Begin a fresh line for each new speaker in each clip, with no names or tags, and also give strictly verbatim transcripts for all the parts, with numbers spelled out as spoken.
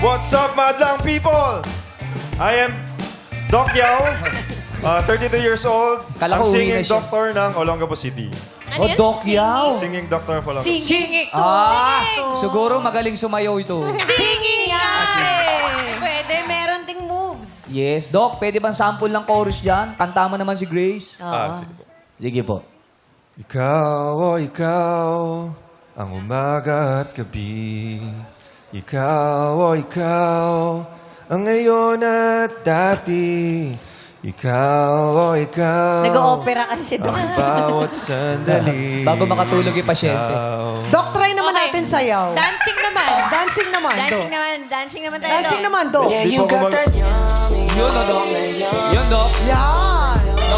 What's up, madlang people? I am Doc Yao, uh, thirty-two years old.
Kala
Ang
ko uwi
singing
na siya.
doctor ng Olongapo City.
Oh, Doc Yao.
Singing doctor of Olongapo.
Singing.
Ah, siguro magaling sumayaw ito.
Singing nga eh. Pwede, meron ting moves.
Yes. Doc, pwede bang sample ng chorus dyan? Kanta mo naman si Grace.
Ah, sige po.
Sige po.
Ikaw, oh ikaw, ang umaga at gabi. Ikaw, oh ikaw, ang ngayon at dati. Ikaw, oh ikaw,
Nag-o-opera kasi si Doc.
ang bawat sandali.
Bago makatulog yung pasyente.
Ikaw.
Doc, try naman
Okay.
natin sayaw.
Dancing naman.
Dancing naman,
Dancing
Doc.
naman. Dancing naman tayo.
Dancing
Doc.
naman, Doc.
Di po ako mag-
Yun, no, Doc. Yun, Doc.
Yan.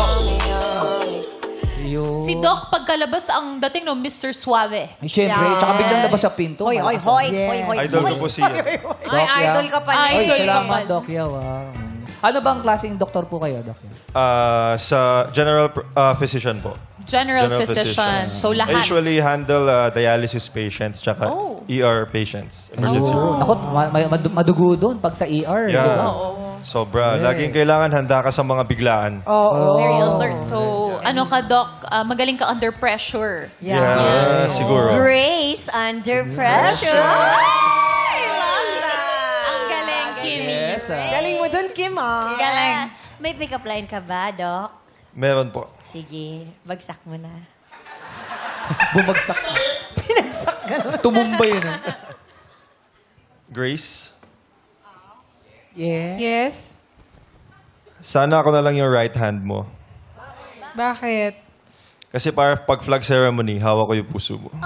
Yun.
Si Doc, pagkalabas ang dating no, Mister Suave.
Ay, syempre.
Yan.
Tsaka biglang labas sa pinto.
Hoy, hoy,
Malakas
hoy.
Yes.
Hoy, hoy.
Idol ko
hoy.
po siya.
Ay, idol ka pala.
Ay,
Ay,
idol ka
salamat,
pala.
Doc Yao. ah. Ano bang klaseng doktor po kayo, Doc Yao?
Ah, sa general pr- ah, physician po.
General, physician. So,
I
lahat.
usually handle ah, dialysis patients tsaka
Oh.
E R patients. Emergency room.
Oh. Naku, ma- ma- mad- madugo doon pag sa E R.
Yeah.
di ba?
Sobra. Laging kailangan handa ka sa mga biglaan.
Oo.
Very alert. So, ano ka, Doc? Ah, magaling ka under pressure.
Yeah, siguro.
Grace under pressure. Ay, love that.
Ang galing, Kimi.
Yes, ah.
Galing mo dun, Kim, ah.
Galing. May pick-up line ka ba, Doc?
Meron po.
Sige, bagsak mo na.
Bumagsak.
Pinagsak ka naman.
Tumumba yun. ah.
Grace,
Yeah.
Yes.
sana ako na lang yung right hand mo.
Bakit?
Kasi para pag flag ceremony, hawak ko yung puso mo.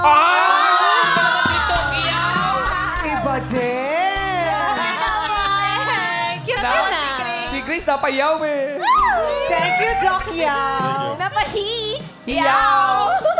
Iba din.
Cute na.
Si Grace napayaw eh.
Thank you, Doc Yao.
Napahi.
Yao.